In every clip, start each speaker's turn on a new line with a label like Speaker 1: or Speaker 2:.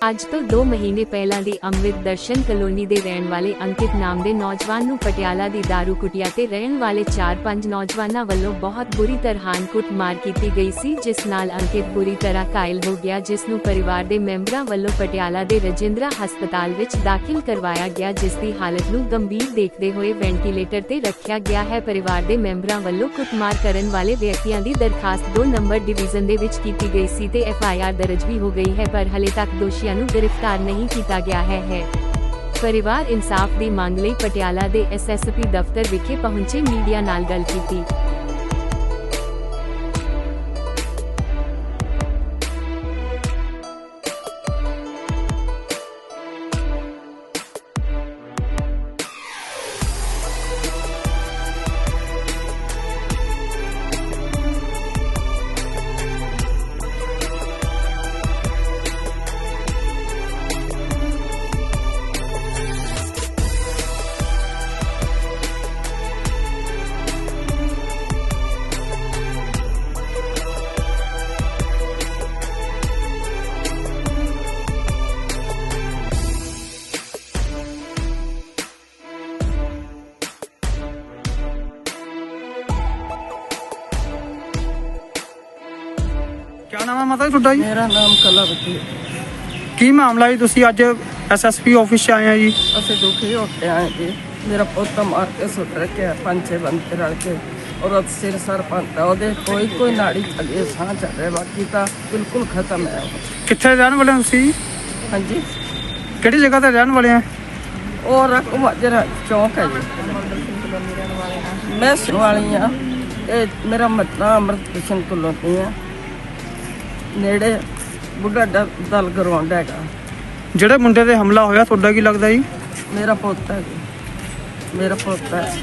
Speaker 1: ਅੱਜ ਤੋਂ 2 ਮਹੀਨੇ ਪਹਿਲਾਂ ਦੀ ਅੰਮ੍ਰਿਤ ਦਰਸ਼ਨ ਕਲੋਨੀ ਦੇ ਰਹਿਣ ਵਾਲੇ ਅੰਕਿਤ ਨਾਮ ਦੇ ਨੌਜਵਾਨ ਨੂੰ ਪਟਿਆਲਾ ਦੀ ਦਾਰੂ ਕੁਟੀਆ ਤੇ ਰਹਿਣ ਵਾਲੇ 4-5 ਨੌਜਵਾਨਾਂ ਵੱਲੋਂ ਬਹੁਤ ਬੁਰੀ ਤਰ੍ਹਾਂ ਕੁੱਟਮਾਰ ਕੀਤੀ ਗਈ ਸੀ, ਜਿਸ ਨਾਲ ਅੰਕਿਤ ਬੁਰੀ ਤਰ੍ਹਾਂ ਘਾਇਲ ਹੋ ਗਿਆ, ਜਿਸ ਨੂੰ ਪਰਿਵਾਰ ਦੇ ਮੈਂਬਰਾਂ ਵੱਲੋਂ ਪਟਿਆਲਾ ਦੇ ਰਜਿੰਦਰਾ ਹਸਪਤਾਲ ਵਿੱਚ ਦਾਖਲ ਕਰਵਾਇਆ ਗਿਆ, ਜਿਸ ਦੀ ਹਾਲਤ ਨੂੰ ਗੰਭੀਰ ਦੇਖਦੇ ਹੋਏ ਵੈਂਟੀਲੇਟਰ ਤੇ ਰੱਖਿਆ ਗਿਆ ਹੈ। ਪਰਿਵਾਰ ਦੇ ਮੈਂਬਰਾਂ ਵੱਲੋਂ ਕੁੱਟਮਾਰ ਕਰਨ ਵਾਲੇ ਵਿਅਕਤੀਆਂ ਦੀ ਦਰਖਾਸਤ 2 ਨੰਬਰ ਡਿਵੀਜ਼ਨ ਦੇ ਵਿੱਚ ਕੀਤੀ ਗਈ ਸੀ ਤੇ FIR ਦਰਜ ਵੀ ਹੋ ਗਈ ਹੈ, ਪਰ ਹਲੇ ਤੱਕ ਦੋਸ਼ੀਆਂ ਨੂੰ गिरफ्तार नहीं किया गया है। परिवार इंसाफ की मांग लई पटियाला दे SSP दफ्तर विखे पहुंचे मीडिया नाल गल कीती।
Speaker 2: क्या नाम है माता जी ਤੁਹਾਡਾ ਜੀ?
Speaker 3: मेरा नाम कलावती है।
Speaker 2: ਕੀ ਮਾਮਲਾ ਜੀ? ਤੁਸੀਂ ਅੱਜ SSP ਆਫਿਸ 'ਚ ਆਏ ਆ ਜੀ।
Speaker 3: ਅਸੀਂ ਦੁਖੀ ਹੋ ਕੇ ਆਏ ਜੀ। ਮੇਰਾ ਪੁੱਤ ਮਾਰ ਕੇ ਸੁੱਟ ਰੱਖਿਆ 5-6 ਬੰਦੇ ਰਲ ਕੇ, ਔਰ ਸਿਰ ਸਰ ਪੰਤਾ ਉਹਦੇ ਕੋਈ ਨਾੜੀ ਚੱਲੇ, ਸਾਹ ਚੱਲ ਰਿਹਾ, ਬਾਕੀ ਤਾਂ ਬਿਲਕੁਲ ਖਤਮ ਹੈ।
Speaker 2: ਕਿੱਥੇ ਰਹਿਣ ਵਾਲੇ ਹੋ ਤੁਸੀਂ?
Speaker 3: ਹਾਂਜੀ,
Speaker 2: ਕਿਹੜੀ ਜਗ੍ਹਾ ਤੇ ਰਹਿਣ ਵਾਲੇ ਆ?
Speaker 3: ਉਹ ਰਕਮਾਜਰਾ ਚੌਂਕ ਹੈ ਜੀ। ਮੈਂ ਸੁਣ ਵਾਲੀ ਆ। ਇਹ ਮੇਰਾ ਮਤਲਬ ਅੰਮ੍ਰਿਤ ਕ੍ਰਿਸ਼ਨ ਕਲੋਨੀ ਆ, ਨੇੜੇ ਬੁੱਢਾ ਦਲ ਗਰਾਊਂਡ ਹੈਗਾ।
Speaker 2: ਜਿਹੜੇ ਮੁੰਡੇ ਤੇ ਹਮਲਾ ਹੋਇਆ ਤੁਹਾਡਾ ਕੀ ਲੱਗਦਾ ਜੀ?
Speaker 3: ਮੇਰਾ ਪੁੱਤ ਹੈ ਜੀ, ਮੇਰਾ ਪੁੱਤ ਹੈ।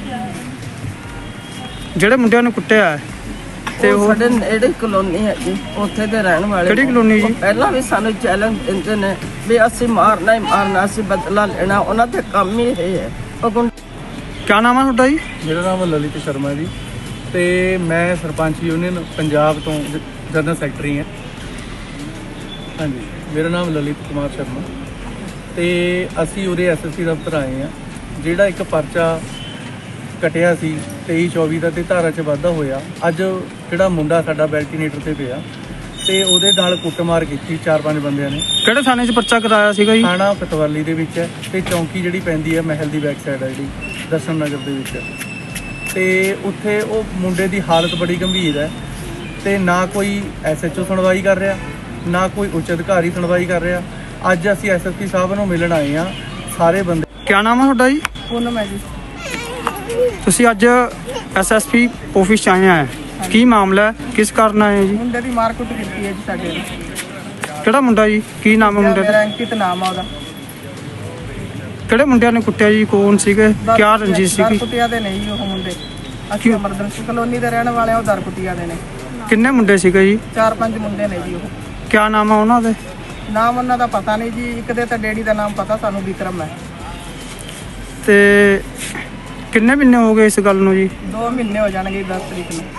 Speaker 2: ਜਿਹੜੇ ਮੁੰਡਿਆਂ ਨੂੰ ਕੁੱਟਿਆ ਹੈ ਤੇ
Speaker 3: ਉਹ
Speaker 2: ਉਹ
Speaker 3: ਸਾਡੇ ਨੇੜੇ ਕਲੋਨੀ ਹੈ ਜੀ, ਉੱਥੇ ਦੇ ਰਹਿਣ ਵਾਲੇ।
Speaker 2: ਕਿਹੜੀ ਕਲੋਨੀ ਜੀ?
Speaker 3: ਉਹ ਪਹਿਲਾਂ ਵੀ ਸਾਨੂੰ ਚੈਲੰਜ ਦਿੰਦੇ ਨੇ ਵੀ ਅਸੀਂ ਮਾਰਨਾ ਹੀ ਮਾਰਨਾ, ਅਸੀਂ ਬਦਲਾ ਲੈਣਾ। ਉਹਨਾਂ ਦੇ ਕੰਮ ਹੀ ਇਹ ਹੈ। ਉਹ
Speaker 2: ਕੀ ਨਾਮ ਹੈ ਤੁਹਾਡਾ ਜੀ?
Speaker 4: ਮੇਰਾ ਨਾਮ ਲਲਿਤ ਸ਼ਰਮਾ ਜੀ ਤੇ ਮੈਂ ਸਰਪੰਚ ਯੂਨੀਅਨ ਪੰਜਾਬ ਤੋਂ ਜਨਰਲ ਸੈਕਟਰੀ ਹਾਂ। ਹਾਂਜੀ, ਮੇਰਾ ਨਾਮ ਲਲਿਤ ਕੁਮਾਰ ਸ਼ਰਮਾ ਤੇ ਅਸੀਂ ਉਰੇ SSP ਦਫ਼ਤਰ ਆਏ ਹਾਂ। ਜਿਹੜਾ ਇੱਕ ਪਰਚਾ ਕਟਿਆ ਸੀ 23-24 ਦਾ ਤੇ ਧਾਰਾ 'ਚ ਵਾਧਾ ਹੋਇਆ, ਅੱਜ ਜਿਹੜਾ ਮੁੰਡਾ ਸਾਡਾ ਵੈਂਟੀਲੇਟਰ ਤੇ ਪਿਆ ਤੇ ਉਹਦੇ ਨਾਲ ਕੁੱਟਮਾਰ ਕੀਤੀ 4-5 ਬੰਦਿਆਂ ਨੇ।
Speaker 2: ਕਿਹੜੇ ਥਾਣੇ 'ਚ ਪਰਚਾ ਕਰਾਇਆ ਸੀਗਾ ਜੀ?
Speaker 4: ਥਾਣਾ ਪਟਵਾਲੀ ਦੇ ਵਿੱਚ ਹੈ ਤੇ ਚੌਂਕੀ ਜਿਹੜੀ ਪੈਂਦੀ ਹੈ ਮਹਿਲ ਦੀ ਬੈਕ ਸਾਈਡ ਹੈ, ਜਿਹੜੀ ਦਰਸ਼ਨ ਨਗਰ ਦੇ ਵਿੱਚ। ਤੇ ਉੱਥੇ ਉਹ ਮੁੰਡੇ ਦੀ ਹਾਲਤ ਬੜੀ ਗੰਭੀਰ ਹੈ ਤੇ ਨਾ ਕੋਈ SHO ਸੁਣਵਾਈ ਕਰ ਰਿਹਾ, ਨਾ ਕੋਈ ਉੱਚ ਅਧਿਕਾਰੀ ਸੁਣਵਾਈ ਕਰ ਰਿਹਾ। ਅੱਜ ਅਸੀਂ SSP ਸਾਹਿਬ ਨੂੰ ਮਿਲਣ ਆਏ ਹਾਂ ਸਾਰੇ ਬੰਦੇ।
Speaker 2: ਕੀ ਨਾਮ ਹੈ ਤੁਹਾਡਾ ਜੀ?
Speaker 3: ਪੂਨਮ ਹੈ ਜੀ।
Speaker 2: ਤੁਸੀਂ ਅੱਜ SSP ਆਫਿਸ 'ਚ ਆਏ ਆ, ਕੀ ਮਾਮਲਾ ਹੈ? ਕਿਸ ਕਾਰਨ ਆਏ ਜੀ?
Speaker 3: ਮੁੰਡੇ ਦੀ ਮਾਰ ਕੁੱਟ ਕੀਤੀ ਹੈ ਜੀ ਸਾਡੇ ਨੇ।
Speaker 2: ਕਿਹੜਾ ਮੁੰਡਾ ਜੀ? ਕੀ ਨਾਮ ਹੈ ਮੁੰਡੇ ਦਾ?
Speaker 3: ਮੇਰਾ ਅੰਕਿਤ ਨਾਮ ਆ ਉਹਦਾ।
Speaker 2: ਕਿਹੜੇ ਮੁੰਡਿਆਂ ਨੇ ਕੁੱਟਿਆ ਜੀ? ਕੌਣ ਸੀਗੇ? ਕਿਆ ਰੰਜਿਸ਼ ਸੀਗੀ?
Speaker 3: ਦਰਕੁਟੀਆ ਦੇ ਨਹੀਂ ਜੀ ਉਹ ਮੁੰਡੇ। ਅਸੀਂ ਅਮਰਦਰਸ਼ ਕਲੋਨੀ ਦੇ ਰਹਿਣ ਵਾਲੇ ਆ, ਉਹ ਦਰਕੁਟੀਆ ਦੇ ਨੇ।
Speaker 2: ਕਿੰਨੇ ਮੁੰਡੇ ਸੀਗੇ ਜੀ?
Speaker 3: 4-5 ਮੁੰਡੇ ਨੇ ਜੀ ਉਹ।
Speaker 2: ਕਿਆ ਨਾਮ ਹੈ ਉਹਨਾਂ ਦੇ?
Speaker 3: ਨਾਮ ਉਹਨਾਂ ਦਾ ਪਤਾ ਨਹੀਂ ਜੀ। ਇੱਕ ਦੇ ਤਾਂ ਡੈਡੀ ਦਾ ਨਾਮ ਪਤਾ ਸਾਨੂੰ, ਵਿਕਰਮ ਹੈ।
Speaker 2: ਤੇ ਕਿੰਨੇ ਮਹੀਨੇ ਹੋ ਗਏ ਇਸ ਗੱਲ ਨੂੰ ਜੀ?
Speaker 3: 2 ਮਹੀਨੇ ਹੋ ਜਾਣਗੇ 10 ਤਰੀਕ ਨੂੰ।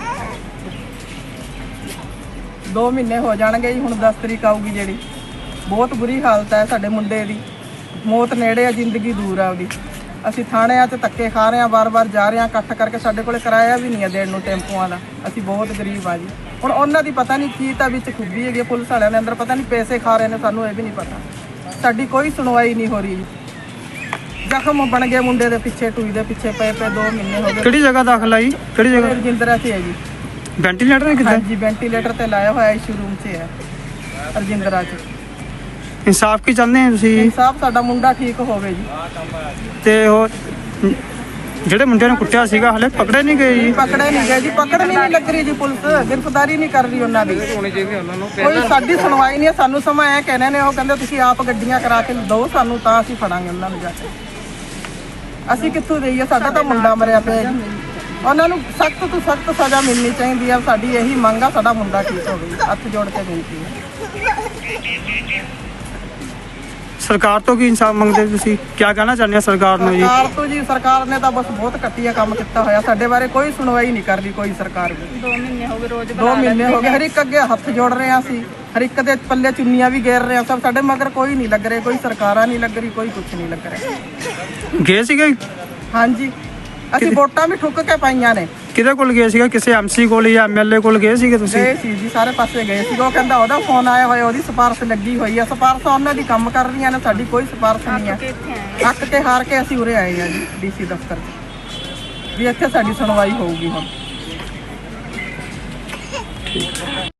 Speaker 3: 2 ਮਹੀਨੇ ਹੋ ਜਾਣਗੇ ਜੀ। ਹੁਣ 10 ਤਰੀਕ ਆਊਗੀ ਜਿਹੜੀ। ਬਹੁਤ ਬੁਰੀ ਹਾਲਤ ਹੈ ਸਾਡੇ ਮੁੰਡੇ ਦੀ। ਮੌਤ ਨੇੜੇ ਆ, ਜ਼ਿੰਦਗੀ ਦੂਰ ਆ ਉਹਦੀ। ਅਸੀਂ ਥਾਣਿਆਂ 'ਚ ਧੱਕੇ ਖਾ ਰਹੇ ਹਾਂ, ਵਾਰ-ਵਾਰ ਜਾ ਰਹੇ ਹਾਂ ਇਕੱਠ ਕਰਕੇ। ਸਾਡੇ ਕੋਲੇ ਕਿਰਾਇਆ ਵੀ ਨਹੀਂ ਹੈ ਦੇਣ ਨੂੰ ਟੈਂਪੂਆਂ ਦਾ। ਅਸੀਂ ਬਹੁਤ ਗਰੀਬ ਆ ਜੀ। ਹੁਣ ਉਹਨਾਂ ਦੀ ਪਤਾ ਨਹੀਂ ਕੀ ਤਾਂ ਵਿੱਚ ਖੁੱਬੀ ਹੈਗੀ ਪੁਲਿਸ ਵਾਲਿਆਂ ਦੇ ਅੰਦਰ, ਪਤਾ ਨਹੀਂ ਪੈਸੇ ਖਾ ਰਹੇ ਨੇ, ਸਾਨੂੰ ਇਹ ਵੀ ਨਹੀਂ ਪਤਾ। ਸਾਡੀ ਕੋਈ ਸੁਣਵਾਈ ਨਹੀਂ ਹੋ ਰਹੀ। ਜ਼ਖਮ ਬਣ ਗਏ ਮੁੰਡੇ ਦੇ ਪਿੱਛੇ, ਟੂਈ ਦੇ ਪਿੱਛੇ ਪਏ 2 ਮਹੀਨੇ ਹੋ ਗਏ।
Speaker 2: ਕਿਹੜੀ ਜਗ੍ਹਾ ਦਾਖਲ ਆਈ? ਕਿਹੜੀ ਜਗ੍ਹਾ?
Speaker 3: ਰਜਿੰਦਰਾ 'ਚ ਹੈ ਜੀ।
Speaker 2: ਵੈਂਟੀਲੇਟਰ ਹੈ ਕਿੱਥੇ?
Speaker 3: ਹਾਂਜੀ, ਵੈਂਟੀਲੇਟਰ ਤੇ ਲਾਇਆ ਹੋਇਆ ਇਸ਼ੂ ਰੂਮ 'ਚ ਹੈ ਰਜਿੰਦਰਾ 'ਚ।
Speaker 2: ਇਨਸਾਫ ਕੀ ਚਾਹੁੰਦੇ ਆ ਤੁਸੀਂ?
Speaker 3: ਇਨਸਾਫ, ਸਾਡਾ ਮੁੰਡਾ ਠੀਕ ਹੋਵੇ ਜੀ।
Speaker 2: ਤੇ ਉਹ ਜਿਹੜੇ ਮੁੰਡਿਆਂ ਨੂੰ ਕੁੱਟਿਆ ਸੀਗਾ ਹਲੇ ਪਕੜੇ ਨਹੀਂ ਗਏ ਜੀ?
Speaker 3: ਪਕੜੇ ਨਹੀਂ ਗਏ ਜੀ, ਪਕੜ ਨਹੀਂ ਲੱਗ ਰਹੀ ਜੀ ਪੁਲਿਸ, ਗ੍ਰਿਫਤਾਰੀ ਨਹੀਂ ਕਰ ਰਹੀ ਉਹਨਾਂ ਦੀ। ਕੋਈ ਸਾਡੀ ਸੁਣਵਾਈ ਨਹੀਂ ਹੈ। ਸਾਨੂੰ ਸਮਾਂ ਐ ਕਹਿੰਦੇ ਨੇ, ਉਹ ਕਹਿੰਦੇ ਤੁਸੀਂ ਆਪ ਗੱਡੀਆਂ ਕਰਾ ਕੇ ਦਿਓ ਸਾਨੂੰ, ਤਾਂ ਅਸੀਂ ਫੜਾਂਗੇ ਉਹਨਾਂ ਨੂੰ ਜਾ ਕੇ। ਅਸੀਂ ਕਿੱਥੋਂ ਦੇਈਏ? ਸਾਡਾ ਤਾਂ ਮੁੰਡਾ ਮਰਿਆ ਪਿਆ ਜੀ। ਉਹਨਾਂ ਨੂੰ ਸਖਤ ਤੋਂ ਸਖਤ ਸਜ਼ਾ ਮਿਲਣੀ ਚਾਹੀਦੀ ਹੈ। ਸਾਡੀ ਇਹੀ ਮੰਗ ਆ, ਸਾਡਾ ਮੁੰਡਾ ਠੀਕ ਹੋਵੇ। ਹੱਥ ਜੋੜ ਕੇ ਬੇਨਤੀ ਹੈ।
Speaker 2: ਸਰਕਾਰ ਤੋਂ ਕੀ ਇਨਸਾਫ ਮੰਗਦੇ ਤੁਸੀਂ? ਕੀ ਕਹਿਣਾ ਚਾਹੁੰਦੇ ਆ ਸਰਕਾਰ ਨੂੰ ਜੀ?
Speaker 3: ਸਰਕਾਰ ਤੋਂ ਜੀ, ਸਰਕਾਰ ਨੇ ਤਾਂ ਬਸ ਬਹੁਤ ਘਟੀਆ ਕੰਮ ਕੀਤਾ ਹੋਇਆ। ਸਾਡੇ ਬਾਰੇ ਕੋਈ ਸੁਣਵਾਈ ਨਹੀਂ ਕਰ ਰਹੀ ਕੋਈ ਸਰਕਾਰ ਵੀ। 2 ਮਹੀਨੇ ਹੋ ਗਏ ਰੋਜ਼ 2 ਮਹੀਨੇ ਹੋ ਗਏ। ਹਰ ਇੱਕ ਅੱਗੇ ਹੱਥ ਜੋੜ ਰਹੇ ਹਾਂ ਅਸੀਂ। ਹਰ ਇੱਕ ਦੇ ਪੱਲੇ ਚੁੰਨੀਆਂ ਵੀ ਗੇਰ ਰਹੇ ਆ ਸਭ, ਸਾਡੇ ਮਗਰ ਕੋਈ ਨਹੀਂ ਲੱਗ ਰਿਹਾ, ਕੋਈ ਸਰਕਾਰਾਂ ਨਹੀਂ ਲੱਗ ਰਹੀ, ਕੋਈ ਕੁਝ ਨਹੀਂ ਲੱਗ ਰਿਹਾ।
Speaker 2: ਗਏ ਸੀਗੇ?
Speaker 3: ਹਾਂਜੀ, ਅਸੀਂ ਵੋਟਾਂ ਵੀ ਠੁੱਕ ਕੇ ਪਾਈਆਂ ਨੇ।
Speaker 2: ਕਿਹਦੇ ਕੋਲ ਗਏ ਸੀਗੇ? ਕਿਸੇ ਐਮਸੀ ਕੋਲ ਜਾਂ ਐਮਐਲਏ ਕੋਲ ਗਏ ਸੀਗੇ ਤੁਸੀਂ?
Speaker 3: ਗਏ ਸੀ ਜੀ, ਸਾਰੇ ਪਾਸੇ ਗਏ ਸੀ। ਉਹ ਕਹਿੰਦਾ ਉਹਦਾ ਫੋਨ ਆਇਆ ਹੋਇਆ, ਉਹਦੀ ਸਿਫਾਰਿਸ਼ ਲੱਗੀ ਹੋਈ ਆ। ਸਿਫਾਰਿਸ਼ ਉਹਨਾਂ ਦੀ ਕੰਮ ਕਰ ਰਹੀਆਂ ਨੇ, ਸਾਡੀ ਕੋਈ ਸਿਫਾਰਿਸ਼ ਨਹੀਂ ਆ। ਅੱਕ ਕੇ ਹਾਰ ਕੇ ਅਸੀਂ ਉਰੇ ਆਏ ਆ ਜੀ ਡੀਸੀ ਦਫ਼ਤਰ 'ਚ ਵੀ ਇੱਥੇ ਸਾਡੀ ਸੁਣਵਾਈ ਹੋਊਗੀ ਹੁਣ।